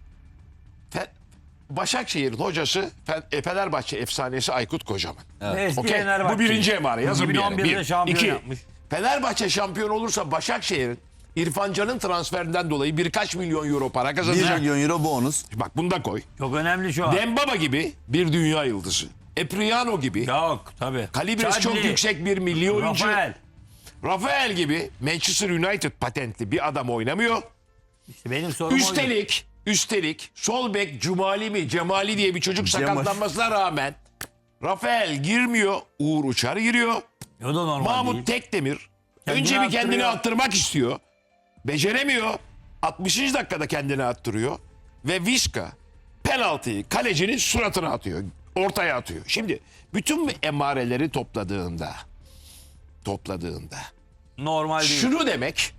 [SPEAKER 4] Başakşehir'in hocası Fenerbahçe efsanesi Aykut Kocaman.
[SPEAKER 2] Eski
[SPEAKER 4] Okey.
[SPEAKER 2] Fenerbahçe.
[SPEAKER 4] Bu birinci emare. Yazın bir yere.
[SPEAKER 2] 2011'de
[SPEAKER 4] Bir.
[SPEAKER 2] şampiyon
[SPEAKER 4] İki.
[SPEAKER 2] yapmış.
[SPEAKER 4] Fenerbahçe şampiyon olursa Başakşehir'in İrfan Can'ın transferinden dolayı birkaç milyon euro para
[SPEAKER 1] 1
[SPEAKER 4] kazanacak.
[SPEAKER 1] milyon euro bonus.
[SPEAKER 4] Bak bunu da koy.
[SPEAKER 2] Çok önemli şu an.
[SPEAKER 4] Dembaba gibi bir dünya yıldızı. Epriano gibi.
[SPEAKER 2] Yok tabii.
[SPEAKER 4] Kalibresi çok
[SPEAKER 2] Chadli,
[SPEAKER 4] yüksek bir milli oyuncu.
[SPEAKER 2] Rafael.
[SPEAKER 4] Rafael gibi Manchester United patentli bir adam oynamıyor.
[SPEAKER 2] İşte benim sorum oydu.
[SPEAKER 4] Üstelik sol bek Cemali diye bir çocuk
[SPEAKER 1] Cemal.
[SPEAKER 4] sakatlanmasına rağmen Rafael girmiyor. Uğur Uçar giriyor.
[SPEAKER 2] O da normal
[SPEAKER 4] Mahmut
[SPEAKER 2] değil.
[SPEAKER 4] Tekdemir
[SPEAKER 2] Kendini
[SPEAKER 4] önce bir kendini
[SPEAKER 2] attırıyor.
[SPEAKER 4] attırmak istiyor. Beceremiyor. 60. dakikada kendini attırıyor. Ve Vişka penaltıyı kalecinin suratına atıyor. Ortaya atıyor. Şimdi bütün bu emareleri topladığında
[SPEAKER 2] Normal değil.
[SPEAKER 4] şunu demek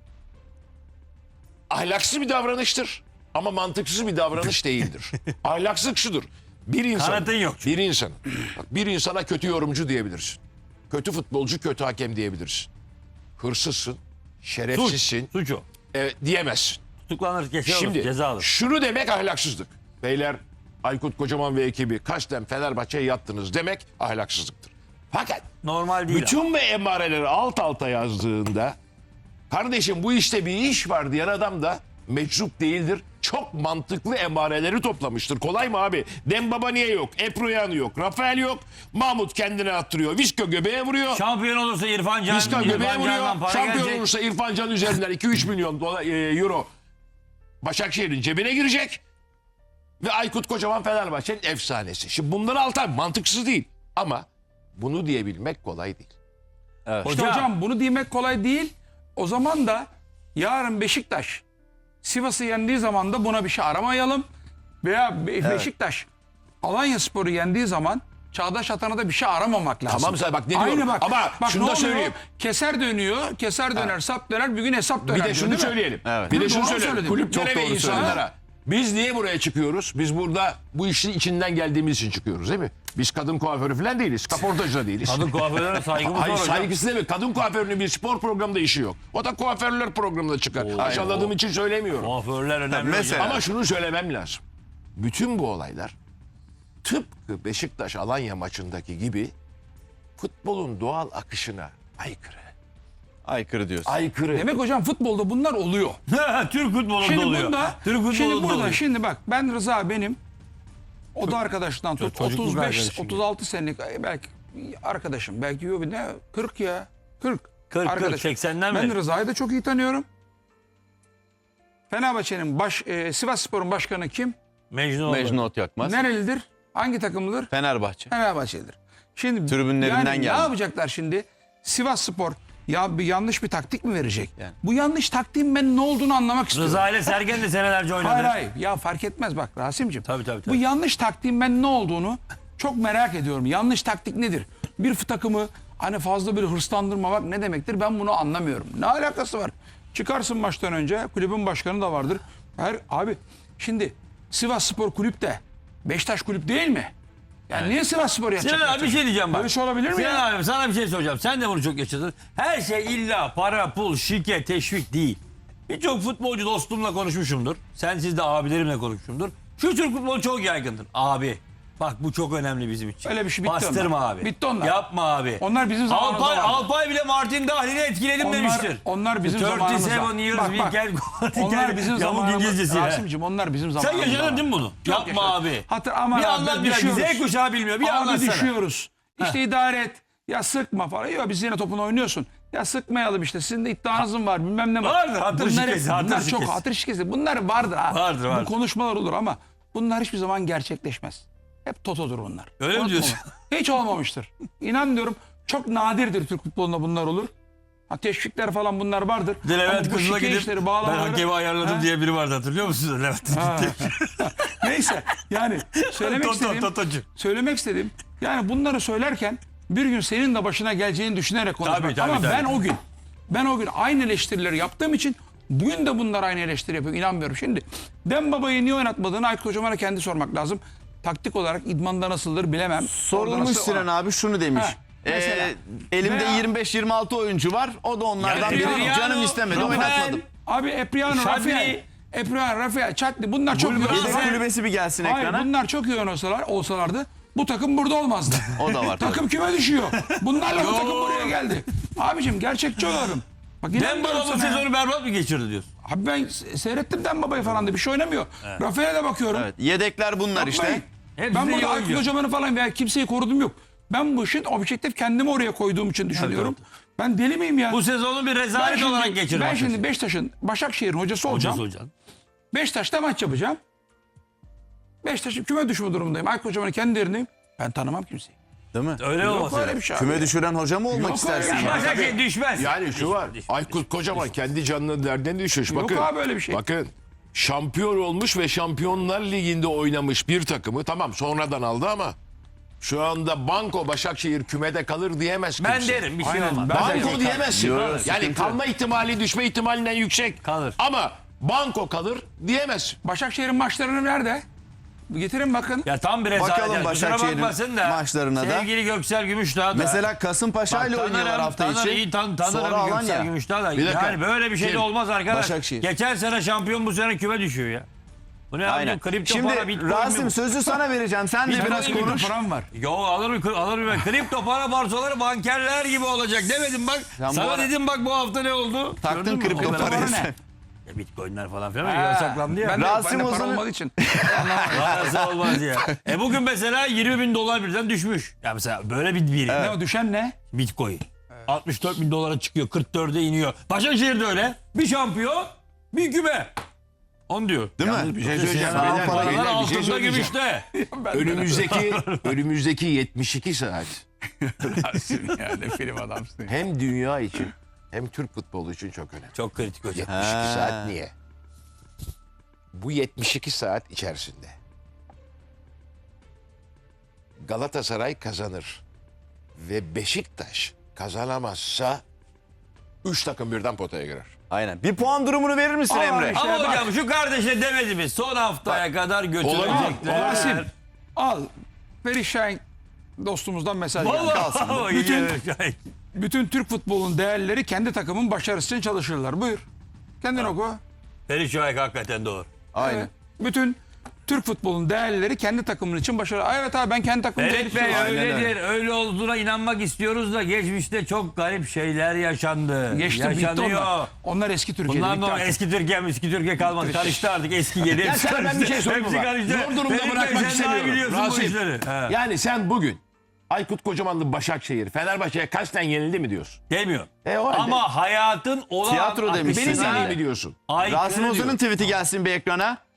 [SPEAKER 4] ahlaksız bir davranıştır ama mantıksız bir davranış değildir. Ahlaksızlık şudur.
[SPEAKER 2] Kanatın yok çünkü.
[SPEAKER 4] Bir insana kötü yorumcu diyebilirsin. Kötü futbolcu, kötü hakem diyebilirsin. Hırsızsın, şerefsizsin
[SPEAKER 2] Suç o.
[SPEAKER 4] diyemezsin.
[SPEAKER 2] Tutuklanır, kese alır,
[SPEAKER 4] Şimdi
[SPEAKER 2] ceza alır.
[SPEAKER 4] şunu demek ahlaksızlık. Beyler Aykut Kocaman ve ekibi kasten Fenerbahçe'ye yattınız demek ahlaksızlıktır. Fakat
[SPEAKER 2] Normal değil.
[SPEAKER 4] bütün bu emareleri alt alta yazdığında kardeşim bu işte bir iş var diyen adam da meczup değildir. Çok mantıklı emareleri toplamıştır. Kolay mı abi? Dembaba niye yok? Eproyan yok. Rafael yok. Mahmut kendine attırıyor. Viska göbeğe vuruyor.
[SPEAKER 2] Şampiyon olursa İrfan Can.
[SPEAKER 4] Viska göbeğe
[SPEAKER 2] İrfan Can'dan
[SPEAKER 4] vuruyor.
[SPEAKER 2] para
[SPEAKER 4] Şampiyon
[SPEAKER 2] gelecek.
[SPEAKER 4] olursa İrfan Can üzerinden 2-3 milyon euro Başakşehir'in cebine girecek. Ve Aykut Kocaman Fenerbahçe'nin efsanesi. Şimdi bunları altan mantıksız değil. Ama bunu diyebilmek kolay değil.
[SPEAKER 3] İşte hocam bunu demek kolay değil. O zaman da yarın Beşiktaş Sivas'ı yendiği zaman da buna bir şey aramayalım. Veya Beşiktaş Alanyaspor'u yendiği zaman Çağdaş Atan'a da bir şey aramamak lazım.
[SPEAKER 4] Tamam sen bak ne diyorum.
[SPEAKER 3] Bak,
[SPEAKER 4] Ama
[SPEAKER 3] bak,
[SPEAKER 4] şunu
[SPEAKER 3] ne
[SPEAKER 4] da
[SPEAKER 3] oluyor?
[SPEAKER 4] söyleyeyim.
[SPEAKER 3] Keser dönüyor, keser döner, sap döner, bir gün hesap döner.
[SPEAKER 4] Bir de
[SPEAKER 3] diyor,
[SPEAKER 4] şunu
[SPEAKER 3] değil mi?
[SPEAKER 4] söyleyelim.
[SPEAKER 1] Evet.
[SPEAKER 4] Bir de
[SPEAKER 3] Doğru
[SPEAKER 4] şunu söyleyelim.
[SPEAKER 3] söyledin.
[SPEAKER 4] Kulüplere
[SPEAKER 1] Çok
[SPEAKER 4] ve
[SPEAKER 1] doğru
[SPEAKER 4] insanlara. Biz niye buraya çıkıyoruz? Biz burada bu işin içinden geldiğimiz için çıkıyoruz değil mi? Biz kadın kuaförü falan değiliz. Kaportacı da değiliz.
[SPEAKER 2] Kadın kuaförlerine saygımız
[SPEAKER 4] Hayır
[SPEAKER 2] var hocam.
[SPEAKER 4] saygısı değil mi? Kadın kuaförünün bir spor programında işi yok. O da kuaförler programında çıkar. Aşağıladığım için söylemiyorum.
[SPEAKER 2] Kuaförler önemli.
[SPEAKER 1] Mesela-
[SPEAKER 2] hocam.
[SPEAKER 4] Ama şunu söylemem lazım. Bütün bu olaylar tıpkı Beşiktaş Alanya maçındaki gibi futbolun doğal akışına aykırı.
[SPEAKER 1] Aykırı diyorsun.
[SPEAKER 4] Aykırı.
[SPEAKER 3] Demek hocam futbolda bunlar oluyor.
[SPEAKER 2] Türk futbolunda
[SPEAKER 3] Şimdi
[SPEAKER 2] oluyor.
[SPEAKER 3] bunda,
[SPEAKER 2] Türk futbolunda
[SPEAKER 3] şimdi burada,
[SPEAKER 2] oluyor.
[SPEAKER 3] şimdi bak ben Rıza benim o da arkadaştan tut
[SPEAKER 2] çocukluk
[SPEAKER 3] 35
[SPEAKER 2] arkadaşım
[SPEAKER 3] 36 senelik belki arkadaşım belki yok ne 40 ya 40
[SPEAKER 2] 40,
[SPEAKER 3] arkadaşım.
[SPEAKER 2] 80'den
[SPEAKER 3] Ben
[SPEAKER 2] beri.
[SPEAKER 3] Rıza'yı da çok iyi tanıyorum. Fenerbahçe'nin Sivasspor'un başkanı kim?
[SPEAKER 2] Mecnun,
[SPEAKER 1] Mecnun Ot Yakmaz.
[SPEAKER 3] Nerelidir? Hangi takımlıdır?
[SPEAKER 1] Fenerbahçe.
[SPEAKER 3] Fenerbahçe'dir. Şimdi
[SPEAKER 1] Tribünlerinden
[SPEAKER 3] yani
[SPEAKER 1] geldi.
[SPEAKER 3] ne yapacaklar şimdi? Sivasspor ya bir yanlış bir taktik mi verecek?
[SPEAKER 1] Yani.
[SPEAKER 3] Bu yanlış taktiğin ben ne olduğunu anlamak istiyorum.
[SPEAKER 2] Rıza ile Sergen de senelerce oynadı.
[SPEAKER 3] Hayır hayır ya fark etmez bak Rasim'ciğim.
[SPEAKER 2] Tabii.
[SPEAKER 3] Bu yanlış taktiğin ben ne olduğunu çok merak ediyorum. Yanlış taktik nedir? Bir takımı hani fazla bir hırslandırmamak ne demektir? Ben bunu anlamıyorum. Ne alakası var? Çıkarsın maçtan önce kulübün başkanı da vardır. Abi şimdi Sivasspor kulüp de Beşiktaş kulüp değil mi? Yani niye Sivasspor yapacak?
[SPEAKER 2] Sinan abi bir şey diyeceğim bak.
[SPEAKER 3] Böyle şey olabilir mi
[SPEAKER 2] Sinan
[SPEAKER 3] ya?
[SPEAKER 2] abi sana bir şey soracağım. Sen de bunu çok yaşadın. Her şey illa para, pul, şike, teşvik değil. Birçok futbolcu dostumla konuşmuşumdur. Sensiz de abilerimle konuşmuşumdur. Şu Türk futbolu çok yaygındır. Abi bak bu çok önemli bizim için.
[SPEAKER 3] Öyle bir şey bitti
[SPEAKER 2] Bastırma
[SPEAKER 3] onlar.
[SPEAKER 2] abi.
[SPEAKER 3] Bitti onlar.
[SPEAKER 2] Yapma abi.
[SPEAKER 3] Onlar bizim zamanımızda vardı.
[SPEAKER 2] Alpay bile Martin Dahlil'i etkiledim demiştir.
[SPEAKER 3] Onlar bizim zamanımızda.
[SPEAKER 2] 37 years
[SPEAKER 3] Bak, bak.
[SPEAKER 2] weekend.
[SPEAKER 3] Onlar bizim
[SPEAKER 2] Yamuk
[SPEAKER 3] zamanımızda.
[SPEAKER 2] İngilizcesi ya.
[SPEAKER 3] Rasim'cim onlar bizim
[SPEAKER 2] Sen
[SPEAKER 3] zamanımızda.
[SPEAKER 2] yaşadın
[SPEAKER 3] var.
[SPEAKER 2] değil mi bunu?
[SPEAKER 3] Çok
[SPEAKER 2] Yapma
[SPEAKER 3] yaşadım.
[SPEAKER 2] abi.
[SPEAKER 3] Aman
[SPEAKER 2] Bir
[SPEAKER 3] abi,
[SPEAKER 2] anlat biraz.
[SPEAKER 3] düşüyoruz.
[SPEAKER 2] Z kuşağı bilmiyor. Bir
[SPEAKER 3] Abi
[SPEAKER 2] anlatsana.
[SPEAKER 3] düşüyoruz. İşte idare et. Ya sıkma falan. Yok biz yine topunu oynuyorsun. Ya sıkmayalım işte. Sizin de iddianızın var. Bilmem ne var.
[SPEAKER 2] Vardır, hatır
[SPEAKER 3] Bunlar
[SPEAKER 2] şikesi,
[SPEAKER 3] hep-
[SPEAKER 2] hatır
[SPEAKER 3] Bunlar çok
[SPEAKER 2] şikesi.
[SPEAKER 3] hatır şikesi. Bunlar vardır ha.
[SPEAKER 2] Vardır.
[SPEAKER 3] Bu konuşmalar olur ama bunlar hiçbir zaman gerçekleşmez. Hep totodur bunlar.
[SPEAKER 2] Öyle mi
[SPEAKER 3] Unutma
[SPEAKER 2] diyorsun?
[SPEAKER 3] bunu. Hiç olmamıştır. İnan diyorum çok nadirdir Türk futbolunda bunlar olur. Ha, teşvikler falan bunlar vardır.
[SPEAKER 2] Bir de Levent
[SPEAKER 3] Ama bu
[SPEAKER 2] Kızıl'a
[SPEAKER 3] şike
[SPEAKER 2] gidip
[SPEAKER 3] işleri,
[SPEAKER 2] ben
[SPEAKER 3] bağlamaları-
[SPEAKER 2] hakemi ayarladım
[SPEAKER 3] Ha?
[SPEAKER 2] diye biri vardı hatırlıyor musunuz Levent?
[SPEAKER 3] Ha. Neyse yani
[SPEAKER 2] Totocu.
[SPEAKER 3] söylemek istediğim yani bunları söylerken bir gün senin de başına geleceğini düşünerek konuşmak.
[SPEAKER 2] Tabii,
[SPEAKER 3] Ama
[SPEAKER 2] tabii.
[SPEAKER 3] ben o gün aynı eleştirileri yaptığım için bugün de bunlar aynı eleştiri yapıyor. İnanmıyorum. Şimdi Dembaba'yı niye oynatmadığını Aykut Kocaman'a kendi sormak lazım. Taktik olarak idmanda nasıldır bilemem. Orada
[SPEAKER 1] Sorulmuş
[SPEAKER 3] nasıl-
[SPEAKER 1] Sinan abi şunu demiş.
[SPEAKER 3] Heh, mesela.
[SPEAKER 1] Elimde
[SPEAKER 3] Veya-
[SPEAKER 1] 25-26 oyuncu var. O da onlardan
[SPEAKER 2] Yani
[SPEAKER 1] biri.
[SPEAKER 2] Epriano,
[SPEAKER 1] Canım istemedi
[SPEAKER 2] Rafael,
[SPEAKER 1] oynatmadım.
[SPEAKER 3] Abi Epriano,
[SPEAKER 2] Şadri.
[SPEAKER 3] Rafael, Çatli bunlar çok iyi
[SPEAKER 1] Yedek
[SPEAKER 3] oynasalar.
[SPEAKER 1] kulübesi bir gelsin
[SPEAKER 3] Hayır
[SPEAKER 1] ekrana.
[SPEAKER 3] bunlar çok iyi olsalardı bu takım burada olmazdı.
[SPEAKER 1] O da var tabii.
[SPEAKER 3] Takım küme düşüyor. Bunlarla bu takım buraya geldi. Abicim gerçekçi olalım. Bak inanmıyorum
[SPEAKER 2] Dembaba bu
[SPEAKER 3] sana ya.
[SPEAKER 2] sezonu berbat mı geçirdi diyorsun?
[SPEAKER 3] Abi ben seyrettim Dembaba'yı falan da bir şey oynamıyor. Rafael'e de bakıyorum.
[SPEAKER 1] Evet, yedekler bunlar
[SPEAKER 3] Yapmayın.
[SPEAKER 1] işte.
[SPEAKER 2] Hepsi
[SPEAKER 3] Ben
[SPEAKER 2] de iyi
[SPEAKER 3] burada
[SPEAKER 2] oyuncu.
[SPEAKER 3] Aykut Kocaman'ı falan veya kimseyi korudum yok. Ben bu işin objektif kendimi oraya koyduğum için düşünüyorum. Ben deli miyim ya?
[SPEAKER 2] Bu sezonu bir rezalet olarak geçirdi.
[SPEAKER 3] ben şimdi Beşiktaş'ın Başakşehir'in hocası olacağım.
[SPEAKER 2] Hocası.
[SPEAKER 3] Beşiktaş'ta maç yapacağım. Beşiktaş'ın küme düşme durumundayım. Aykut Kocaman'ın kendi yerindeyim. Ben tanımam kimseyi.
[SPEAKER 1] Değil mi?
[SPEAKER 2] Öyle
[SPEAKER 3] Yok
[SPEAKER 2] olması.
[SPEAKER 3] öyle bir şey abi.
[SPEAKER 1] Küme düşüren hoca mı olmak
[SPEAKER 3] Yok
[SPEAKER 1] istersin?
[SPEAKER 3] öyle bir şey.
[SPEAKER 2] Başakşehir düşmez.
[SPEAKER 4] Yani şu var. Aykut Kocaman kendi canının derdine düşmüş.
[SPEAKER 3] Yok
[SPEAKER 4] Bakın.
[SPEAKER 3] abi öyle bir şey.
[SPEAKER 4] Bakın. Şampiyon olmuş ve Şampiyonlar Ligi'nde oynamış bir takımı. Tamam sonradan aldı ama şu anda Banko Başakşehir kümede kalır diyemez
[SPEAKER 2] Ben
[SPEAKER 4] kimse.
[SPEAKER 2] derim bir şey
[SPEAKER 3] Aynen,
[SPEAKER 2] olmaz.
[SPEAKER 3] ben de-
[SPEAKER 4] Banko diyemezsin.
[SPEAKER 1] Yok,
[SPEAKER 4] Yani
[SPEAKER 1] sıkıntı.
[SPEAKER 4] kalma ihtimali düşme ihtimalinden yüksek.
[SPEAKER 2] Kalır.
[SPEAKER 4] Ama Banko kalır diyemezsin.
[SPEAKER 3] Başakşehir'in maçlarını nerede? Getirin bakın.
[SPEAKER 2] Ya tam bir rezalet.
[SPEAKER 1] Bakalım
[SPEAKER 2] Yani. Kusura
[SPEAKER 1] Başakşehir'in
[SPEAKER 2] bakmasın da.
[SPEAKER 1] maçlarına da.
[SPEAKER 2] Sevgili Göksel Gümüşdağ da.
[SPEAKER 1] Mesela Kasımpaşa ile
[SPEAKER 2] Bak,
[SPEAKER 1] oynuyorlar hafta
[SPEAKER 2] tanırım,
[SPEAKER 1] içi.
[SPEAKER 2] iyi tanırım
[SPEAKER 1] Sonra
[SPEAKER 2] Göksel
[SPEAKER 1] Alanya.
[SPEAKER 2] Gümüşdağ da.
[SPEAKER 4] Bir dakika.
[SPEAKER 2] Yani böyle bir şey de
[SPEAKER 4] Kim?
[SPEAKER 2] olmaz arkadaş.
[SPEAKER 1] Başakşehir.
[SPEAKER 2] Geçen sene şampiyon bu sene küme düşüyor ya. Bu ne
[SPEAKER 1] Aynen.
[SPEAKER 2] abi? Kripto
[SPEAKER 1] Şimdi
[SPEAKER 2] para, bitcoin
[SPEAKER 1] Rasim
[SPEAKER 2] mi?
[SPEAKER 1] sözü sana vereceğim. Sen de
[SPEAKER 2] Bitcoin
[SPEAKER 1] biraz
[SPEAKER 2] gibi
[SPEAKER 1] konuş.
[SPEAKER 3] Param var.
[SPEAKER 2] Yo alırım. Kripto para borsaları bankerler gibi olacak demedim bak.
[SPEAKER 1] Sen bu
[SPEAKER 2] Sana
[SPEAKER 1] ara-
[SPEAKER 2] dedim bak bu hafta ne oldu?
[SPEAKER 1] Taktın
[SPEAKER 2] Gördün mü?
[SPEAKER 1] kripto
[SPEAKER 2] O kadar.
[SPEAKER 1] parayı
[SPEAKER 3] Para ne?
[SPEAKER 1] sen.
[SPEAKER 2] Bitcoinler falan filan yasaklandı ya.
[SPEAKER 3] Ben de
[SPEAKER 1] Rasim
[SPEAKER 3] para
[SPEAKER 1] Ozan'ın-
[SPEAKER 3] olmadığı için.
[SPEAKER 2] Nasıl olmaz ya. Bugün mesela 20 bin dolar birden düşmüş. Ya mesela böyle bir
[SPEAKER 3] Ne o düşen ne?
[SPEAKER 2] Bitcoin. 64 bin dolara çıkıyor, 44'e iniyor. Başakşehir'de öyle. Bir şampiyon, bir küme. Onu diyor.
[SPEAKER 1] Değil mi?
[SPEAKER 4] Bir şey söyleyeceğim.
[SPEAKER 1] Sağ
[SPEAKER 4] Beyler,
[SPEAKER 1] paralar
[SPEAKER 4] beyler, bir şey
[SPEAKER 2] Altında
[SPEAKER 4] söyleyeceğim.
[SPEAKER 2] gümüşte.
[SPEAKER 4] Önümüzdeki 72 saat
[SPEAKER 3] Yani film adamsın.
[SPEAKER 4] hem dünya için hem Türk futbolu için çok önemli.
[SPEAKER 2] Çok kritik hocam.
[SPEAKER 4] 72 saat niye? Bu 72 saat içerisinde Galatasaray kazanır ve Beşiktaş kazanamazsa 3 takım birden potaya girer.
[SPEAKER 1] Aynen. Bir puan durumunu verir misin
[SPEAKER 3] Aa,
[SPEAKER 1] Emre?
[SPEAKER 3] işte.
[SPEAKER 2] Ama
[SPEAKER 3] bak.
[SPEAKER 2] hocam şu kardeşle demedi mi? Son haftaya kadar götürecekler.
[SPEAKER 3] Rasim al. Perişan dostumuzdan mesaj geldi.
[SPEAKER 2] Vallahi
[SPEAKER 3] Bütün Türk futbolunun değerleri kendi takımın başarısı için çalışırlar. Buyur. Kendin oku.
[SPEAKER 2] Feri Şahik hakikaten doğru.
[SPEAKER 1] Aynen.
[SPEAKER 3] Evet. Bütün Türk futbolunun değerleri kendi takımın için başarılı. Aa, evet abi ben kendi takımımı
[SPEAKER 2] Ferit Bey
[SPEAKER 3] çalışıyorum.
[SPEAKER 2] öyledir. Öyle olduğuna inanmak istiyoruz da geçmişte çok garip şeyler yaşandı.
[SPEAKER 3] Geçti bitti
[SPEAKER 2] Yaşanıyor.
[SPEAKER 3] onlar. Onlar eski Türkiye'de.
[SPEAKER 2] Bunlar
[SPEAKER 3] bitti
[SPEAKER 2] da
[SPEAKER 3] artık.
[SPEAKER 2] eski Türkiye kalmadı. Karıştı artık eski yeni.
[SPEAKER 4] Ya sana ben bir şey sorayım
[SPEAKER 2] Hepsi
[SPEAKER 4] mı?
[SPEAKER 2] karıştı.
[SPEAKER 4] Zor durumda
[SPEAKER 2] Ferit Bey,
[SPEAKER 4] bırakmak
[SPEAKER 2] sen daha
[SPEAKER 4] istemiyorum.
[SPEAKER 2] biliyorsun bu
[SPEAKER 4] Rasim,
[SPEAKER 2] işleri. He.
[SPEAKER 4] yani sen bugün Aykut Kocamanlı Başakşehir Fenerbahçe'ye kasten yenildi mi diyorsun?
[SPEAKER 2] Demiyor.
[SPEAKER 4] O halde
[SPEAKER 2] Ama hayatın olağan
[SPEAKER 1] Tiyatro demişsin.
[SPEAKER 4] benim
[SPEAKER 2] akışına
[SPEAKER 4] dediğimi diyorsun.
[SPEAKER 2] aykırı
[SPEAKER 1] Rasim Ozan'ın
[SPEAKER 2] diyor.
[SPEAKER 1] tweet'i gelsin bir ekrana.